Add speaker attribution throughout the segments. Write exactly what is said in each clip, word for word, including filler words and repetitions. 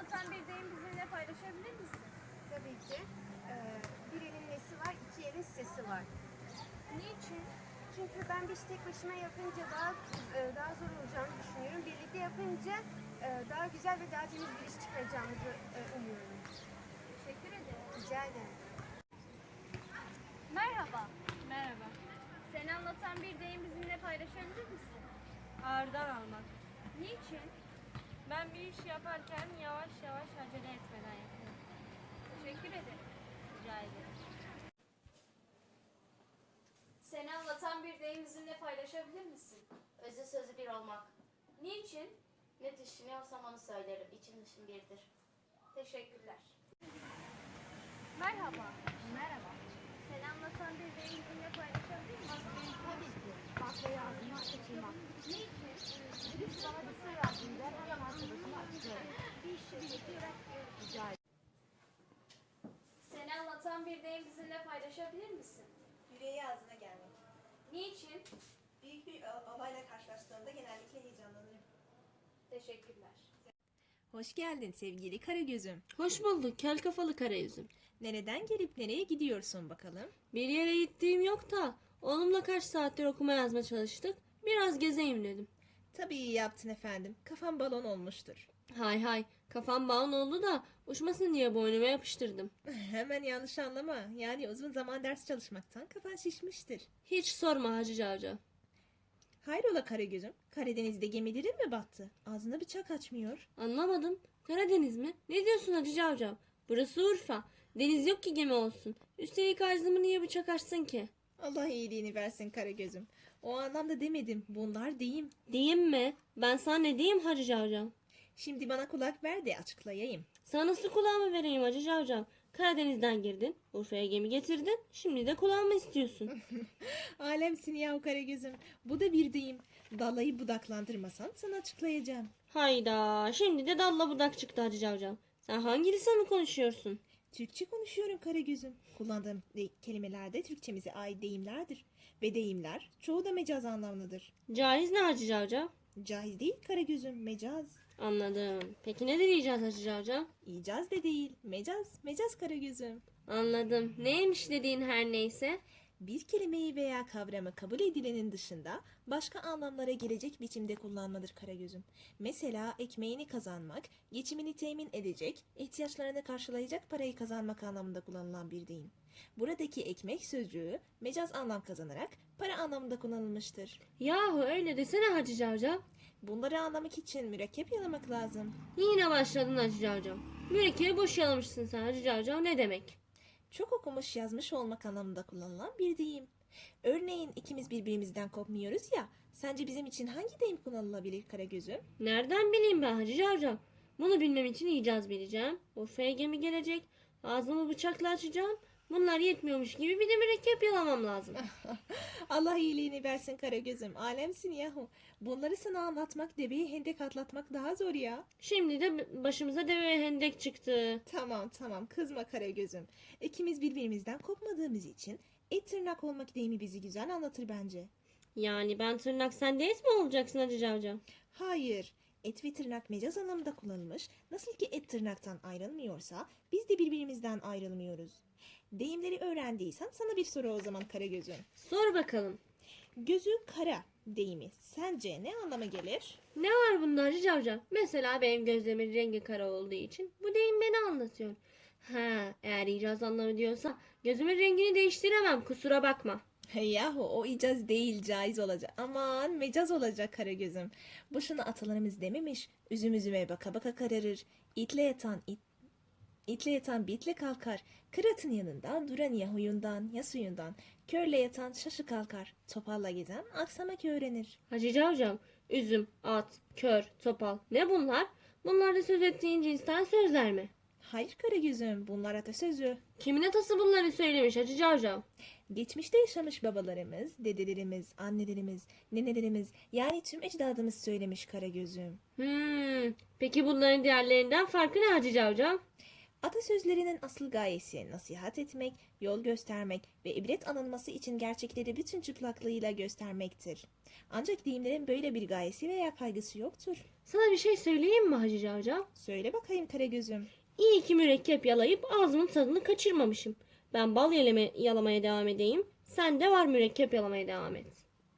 Speaker 1: anlatan bir deyim bizimle paylaşabilir misin?
Speaker 2: Tabii ki. Ee, bir elin nesi var, iki elin sesi var.
Speaker 1: Niçin?
Speaker 2: Çünkü ben bir işi tek başıma yapınca daha e, daha zor olacağını düşünüyorum. Birlikte yapınca e, daha güzel ve daha temiz bir iş çıkaracağımızı e, umuyorum.
Speaker 1: Teşekkür ederim.
Speaker 2: Rica ederim.
Speaker 1: Merhaba.
Speaker 3: Merhaba.
Speaker 1: Seni anlatan bir deyim bizimle paylaşabilir misin?
Speaker 3: Ağırdan almak.
Speaker 1: Niçin?
Speaker 3: Ben bir iş yaparken yavaş yavaş acele etmeden yapıyorum.
Speaker 1: Teşekkür ederim.
Speaker 3: Rica ederim.
Speaker 1: Seni anlatan bir deyim bizimle paylaşabilir misin?
Speaker 4: Özü sözü bir olmak.
Speaker 1: Niçin?
Speaker 4: Ne düşünüyorsam onu söylerim. İçim dışım birdir.
Speaker 1: Teşekkürler. Merhaba.
Speaker 2: Merhaba.
Speaker 1: Seni anlatan bir deyim bizimle paylaşabilir misin?
Speaker 2: Tabii ki. Baklayı ağzıma kaçırmak.
Speaker 1: Niçin?
Speaker 2: Birisi bana bir sır verdiğinde hemen arkadaşıma açıyorum. Bir işi birlikte rica ederim.
Speaker 1: Seni anlatan bir deyim bizimle paylaşabilir misin?
Speaker 5: Yüreği ağzına gelmek.
Speaker 1: Niçin?
Speaker 5: Büyük bir olayla karşılaştığımda genellikle heyecanlanırım.
Speaker 1: Teşekkürler.
Speaker 6: Hoş geldin sevgili Karagöz'üm.
Speaker 7: Hoş bulduk kel kafalı karayüzüm.
Speaker 6: Nereden gelip nereye gidiyorsun bakalım?
Speaker 7: Bir yere gittiğim yok da oğlumla kaç saattir okuma yazma çalıştık. Biraz gezeyim dedim.
Speaker 6: Tabii iyi yaptın efendim. Kafam balon olmuştur.
Speaker 7: Hay hay kafam balon oldu da uçmasın diye boynuma yapıştırdım.
Speaker 6: Hemen yanlış anlama. Yani uzun zaman ders çalışmaktan kafan şişmiştir.
Speaker 7: Hiç sorma Hacı Cavcav.
Speaker 6: Hayrola Karagöz'üm? Karadeniz'de gemilerin mi battı? Ağzına bıçak açmıyor.
Speaker 7: Anlamadım. Karadeniz mi? Ne diyorsun Hacı Cavcav? Burası Urfa. Deniz yok ki gemi olsun. Üstelik ağzımı niye bıçak açsın ki?
Speaker 6: Allah iyiliğini versin Karagöz'üm. O anlamda demedim. Bunlar deyim.
Speaker 7: Diyeyim mi? Ben sana ne diyeyim Hacı Cavcav?
Speaker 6: Şimdi bana kulak ver de açıklayayım.
Speaker 7: Sana nasıl kulağımı vereyim Hacı Cavcav? Karadeniz'den girdin, Urfa'ya gemi getirdin, şimdi de kulağımı istiyorsun.
Speaker 6: Alemsin yahu Karagöz'üm. Bu da bir deyim. Dalayı budaklandırmasan sana açıklayacağım.
Speaker 7: Hayda, şimdi de dalla budak çıktı Hacı Cavcav. Sen hangi lisanı konuşuyorsun?
Speaker 6: Türkçe konuşuyorum Karagöz'üm. Kullandığım de- kelimeler de Türkçemize ait deyimlerdir. Ve deyimler çoğu da mecaz anlamlıdır.
Speaker 7: Caiz ne Hacı Cavcav?
Speaker 6: Caiz değil Karagöz'üm, mecaz.
Speaker 7: Anladım. Peki ne diyeceğiz Hacı Cavcav?
Speaker 6: İcaz de değil, mecaz, mecaz Karagöz'üm.
Speaker 7: Anladım. Neymiş dediğin her neyse?
Speaker 6: Bir kelimeyi veya kavramı kabul edilenin dışında başka anlamlara gelecek biçimde kullanmadır Karagöz'üm. Mesela ekmeğini kazanmak, geçimini temin edecek, ihtiyaçlarını karşılayacak parayı kazanmak anlamında kullanılan bir deyim. Buradaki ekmek sözcüğü mecaz anlam kazanarak para anlamında kullanılmıştır.
Speaker 7: Yahu öyle desene Hacı Cavcav.
Speaker 6: Bunları anlamak için mürekkep yalamak lazım.
Speaker 7: Yine başladın Hacı Cavcav. Mürekkebi boş yalamışsın sen Hacı Cavcav ne demek?
Speaker 6: Çok okumuş yazmış olmak anlamında kullanılan bir deyim. Örneğin ikimiz birbirimizden kopmuyoruz ya, sence bizim için hangi deyim kullanılabilir Karagöz'üm?
Speaker 7: Nereden bileyim ben Hacı Cavcav? Bunu bilmem için icaz bileceğim. Urfa'ya gemi gelecek. Ağzımı bıçakla açacağım. Bunlar yetmiyormuş gibi bir de mürekkep yalamam lazım.
Speaker 6: Allah iyiliğini versin Karagöz'üm, alemsin yahu. Bunları sana anlatmak, deveyi hendek atlatmak daha zor ya.
Speaker 7: Şimdi de başımıza deve ve hendek çıktı.
Speaker 6: Tamam tamam, kızma Karagöz'üm. İkimiz birbirimizden kopmadığımız için et tırnak olmak deyimi bizi güzel anlatır bence.
Speaker 7: Yani ben tırnak sen de et mi olacaksın Hacı Cavcav?
Speaker 6: Hayır, et ve tırnak mecaz anlamında kullanılmış. Nasıl ki et tırnaktan ayrılmıyorsa biz de birbirimizden ayrılmıyoruz. Deyimleri öğrendiysen sana bir soru o zaman Karagöz'üm.
Speaker 7: Sor bakalım.
Speaker 6: Gözü kara deyimi sence ne anlama gelir?
Speaker 7: Ne var bunda Hacı Cavcav? Mesela benim gözlerimin rengi kara olduğu için bu deyim beni anlatıyor. Ha, eğer icaz anlamı diyorsa gözümün rengini değiştiremem kusura bakma.
Speaker 6: Yahu o icaz değil caiz olacak. Aman mecaz olacak Karagöz'üm. Boşuna atalarımız dememiş. Üzüm üzüme baka baka kararır. İtle yatan it, itle yatan bitle kalkar. Kıratın yanında duran ya huyundan ya suyundan. Körle yatan şaşı kalkar. Topalla gezen aksamak öğrenir.
Speaker 7: Hacı Cavcav, üzüm, at, kör, topal ne bunlar? Bunlar da söz ettiğin cinsten sözler mi?
Speaker 6: Hayır Karagöz'üm, bunlar atasözü.
Speaker 7: Kimin atası bunları söylemiş Hacı Cavcav?
Speaker 6: Geçmişte yaşamış babalarımız, dedelerimiz, annelerimiz, nenelerimiz yani tüm ecdadımız söylemiş Karagöz'üm.
Speaker 7: Hmm, peki bunların diğerlerinden farkı ne Hacı Cavcav?
Speaker 6: Atasözlerinin asıl gayesi nasihat etmek, yol göstermek ve ibret alınması için gerçekleri bütün çıplaklığıyla göstermektir. Ancak deyimlerin böyle bir gayesi veya kaygısı yoktur.
Speaker 7: Sana bir şey söyleyeyim mi Hacı Cavcav?
Speaker 6: Söyle bakayım Karagöz'üm.
Speaker 7: İyi ki mürekkep yalayıp ağzımın tadını kaçırmamışım. Ben bal yalama, yalamaya devam edeyim. Sen de var mürekkep yalamaya devam et.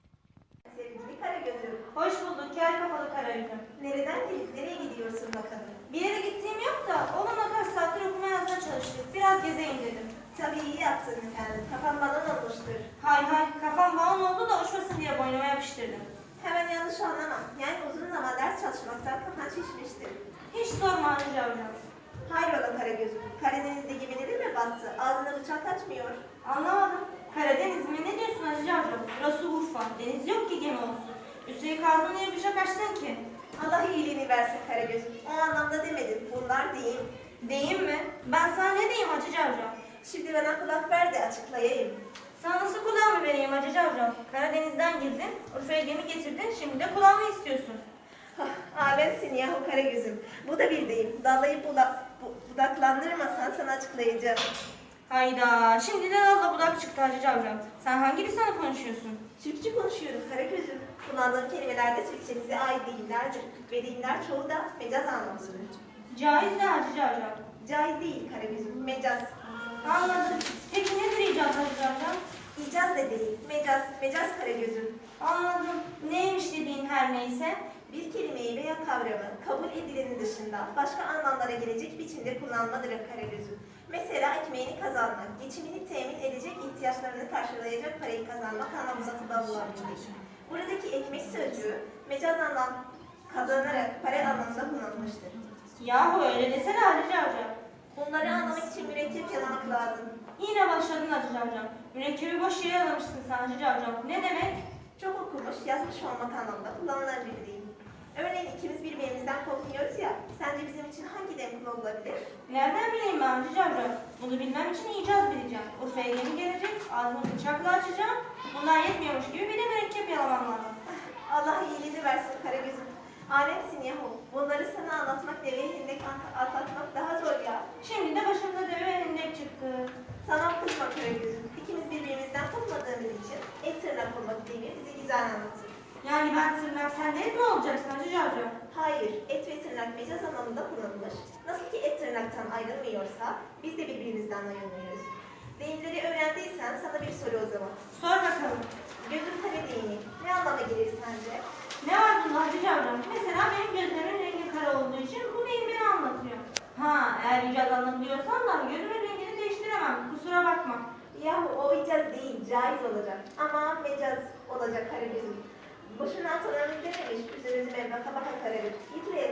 Speaker 5: Sevgili Karagöz'üm,
Speaker 8: Hoş bulduk kel kafalı Karagöz'üm.
Speaker 5: nereden gelip nereye gidiyorsun bakalım?
Speaker 8: Bir yere gittiğim yok da onunla kaç saattir okuma yazma çalıştık. Biraz gezeyim dedim.
Speaker 5: Tabii iyi yaptın efendim. Kafam balon olmuştur.
Speaker 8: Hay hay kafam balon oldu da uçmasın diye boynuma yapıştırdım.
Speaker 5: Hemen yanlış anlama. Yani uzun zaman ders çalışmaktan kafan şişmiştir.
Speaker 8: Hiç sorma Hacı Cavcav.
Speaker 5: Hayrola Karagöz'üm. Karadeniz'de gemileri mi battı? Ağzına bıçak açmıyor.
Speaker 8: Anlamadım. Karadeniz mi? Ne diyorsun Hacı Cavcav? Burası Urfa. Deniz yok ki gemi olsun. Üstelik ağzına niye bıçak açsın ki?
Speaker 5: Allah iyiliğini versin Karagöz'üm. O anlamda demedim. Bunlar değil.
Speaker 8: Deyim mi? Ben sana ne diyeyim Hacı Cavcav?
Speaker 5: Şimdi bana kulak ver de açıklayayım.
Speaker 8: Sana nasıl kulağımı vereyim Hacı Cavcav? Karadeniz'den girdin, Urfa'ya gemi getirdin, şimdi de kulağımı istiyorsun.
Speaker 5: Hah, alemsin yahu Karagöz'üm. Bu da bir deyim. Dallayıp bula, bu, budaklandırmasan sana açıklayacağım.
Speaker 8: Hayda, şimdi de Allah budak çıktı Hacı Cavcav. Sen hangi lisanı konuşuyorsun?
Speaker 5: Türkçe konuşuyorum Karagöz'üm. Kullandığım kelimeler de Türkçemize ait deyimlerdir. Ve deyimler çoğu da mecaz anlamlıdır.
Speaker 8: Caiz de Hacı Cavcav.
Speaker 5: Caiz değil Karagöz'üm, mecaz.
Speaker 8: Anladım. Peki nedir icaz Hacı Cavcav?
Speaker 5: İcaz da değil, mecaz, mecaz Karagöz'üm.
Speaker 8: Anladım. Neymiş dediğin her neyse.
Speaker 5: Bir kelimeyi veya kavramı kabul edilenin dışında başka anlamlara gelecek biçimde kullanmadır Karagöz'üm. Mesela ekmeğini kazanmak, geçimini temin edecek ihtiyaçlarını karşılayacak parayı kazanmak anlamında kullanılabilir. Buradaki ekmek sözcüğü mecaz anlam kazanarak para anlamında kullanılmıştır.
Speaker 8: Yahu öyle desene Hacı Cavcav.
Speaker 5: Bunları anlamak için mürekkep yalamak lazım.
Speaker 8: Yine başladın Hacı Cavcav. Mürekkebi boş yere alamışsın sen Hacı Cavcav. Ne demek?
Speaker 5: Çok okumuş, yazmış olmak anlamında kullanılan bir deyim. Örneğin ikimiz birbirimizden korkmuyoruz ya, sence bizim için hangi dem kullanılabilir?
Speaker 8: Nereden bileyim ben Hacı Cavcav? Bunu bilmem için icaz bileceğim. Urfa'ya gemi gelecek, ağzımı bıçakla açacağım. Bunlar yetmiyormuş gibi bir de mürekkep yalamam lazım.
Speaker 5: Allah iyiliğini versin Karagöz'üm. Alemsin yahu. Bunları sana anlatmak, deveye hendek atlatmak daha zor ya.
Speaker 8: Şimdi de başımıza deve ve hendek çıktı.
Speaker 5: Tamam kızma Karagöz'üm. İkimiz birbirimizden kopmadığımız için et tırnak olmak deyimi bizi güzel anlatır.
Speaker 8: Yani ben tırnak sen de et mi olacaksın Hacı Cavcav?
Speaker 5: Hayır, et ve tırnak mecaz anlamında kullanılır. Nasıl ki et tırnaktan ayrılmıyorsa, biz de birbirimizden ayrılmıyoruz. Deyimleri öğrendiysen sana bir soru o zaman.
Speaker 8: Sor bakalım.
Speaker 5: Gözün kare deyimi ne anlama gelir sence?
Speaker 8: Ne var bunda Hacı Cavcav? Mesela benim gözlerimin rengi kara olduğu için bu deyim beni anlatıyor. Ha, eğer icaz anlatıyorsan da gözümün rengini değiştiremem. Kusura bakma.
Speaker 5: Yahu o icaz değil, caiz olacak. Ama mecaz olacak Karagöz'üm. Boşuna atalarımız dememiş, üzerimize baka baka kararır. Git ve